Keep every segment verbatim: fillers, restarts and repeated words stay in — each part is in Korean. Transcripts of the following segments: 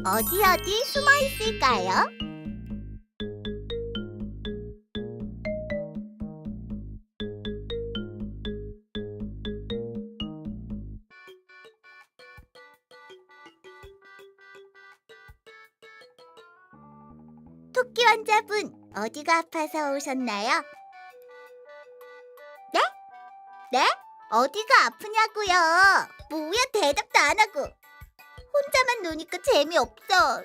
어디 어디 숨어 있을까요? 토끼 환자분, 어디가 아파서 오셨나요? 네? 네? 어디가 아프냐고요? 뭐야, 대답도 안 하고. 혼자만 노니까 재미없어.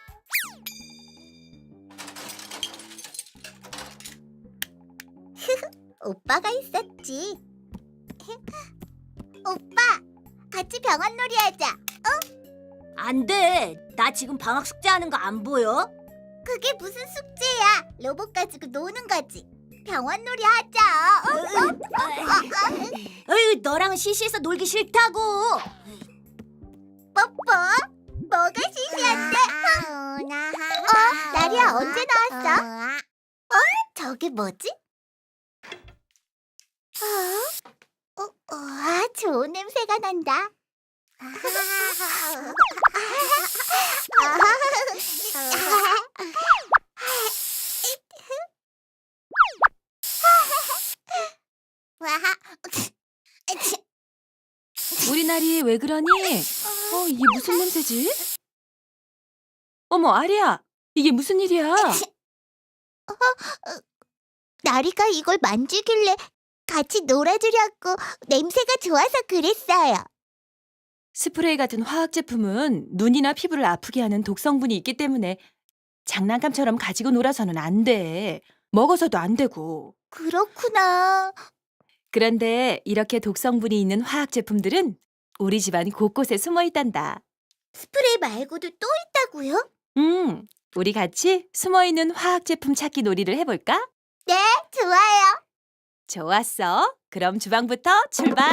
오빠가 있었지. 오빠, 같이 병원놀이 하자. 안 돼. 나 지금 방학 숙제하는 거 안 보여? 그게 무슨 숙제야? 로봇 가지고 노는 거지. 병원놀이 하자. 어? 어이, 너랑은 시시해서 놀기 싫다고. 뽀뽀? 뭐가 시시한데? 어? 나리야, 언제 나왔어? 어? 저게 뭐지? 어? 어? 어? 아, 좋은 냄새가 난다. 우리 나리 왜 그러니? 어, 이게 무슨 냄새지? 어머, 아리야, 이게 무슨 일이야? 나리가 이걸 만지길래 같이 놀아주려고 냄새가 좋아서 그랬어요. 스프레이 같은 화학 제품은 눈이나 피부를 아프게 하는 독성분이 있기 때문에 장난감처럼 가지고 놀아서는 안 돼. 먹어서도 안 되고. 그렇구나. 그런데 이렇게 독성분이 있는 화학 제품들은 우리 집안 곳곳에 숨어 있단다. 스프레이 말고도 또 있다고요? 음, 우리 같이 숨어 있는 화학 제품 찾기 놀이를 해볼까? 네, 좋아요. 좋았어. 그럼 주방부터 출발.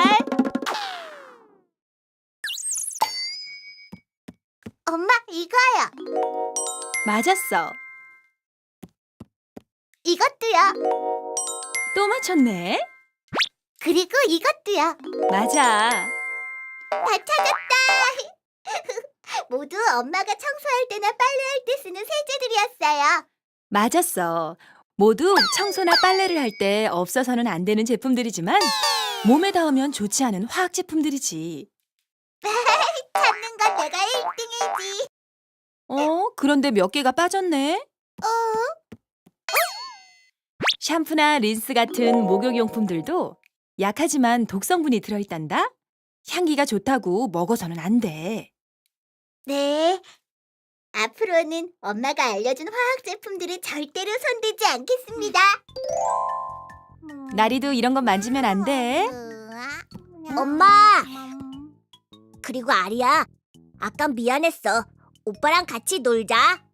엄마, 이거요. 맞았어. 이것도요. 또 맞췄네. 그리고 이것도요. 맞아. 다 찾았다. 모두 엄마가 청소할 때나 빨래할 때 쓰는 세제들이었어요. 맞았어. 모두 청소나 빨래를 할 때 없어서는 안 되는 제품들이지만 몸에 닿으면 좋지 않은 화학 제품들이지. 찾는 건 내가 일 등이지. 어? 그런데 몇 개가 빠졌네? 어? 샴푸나 린스 같은 목욕용품들도 약하지만 독성분이 들어있단다? 향기가 좋다고 먹어서는 안 돼. 네. 앞으로는 엄마가 알려준 화학 제품들을 절대로 손대지 않겠습니다. 나리도 이런 건 만지면 안 돼. 엄마. 그리고 아리야, 아까 미안했어. 오빠랑 같이 놀자.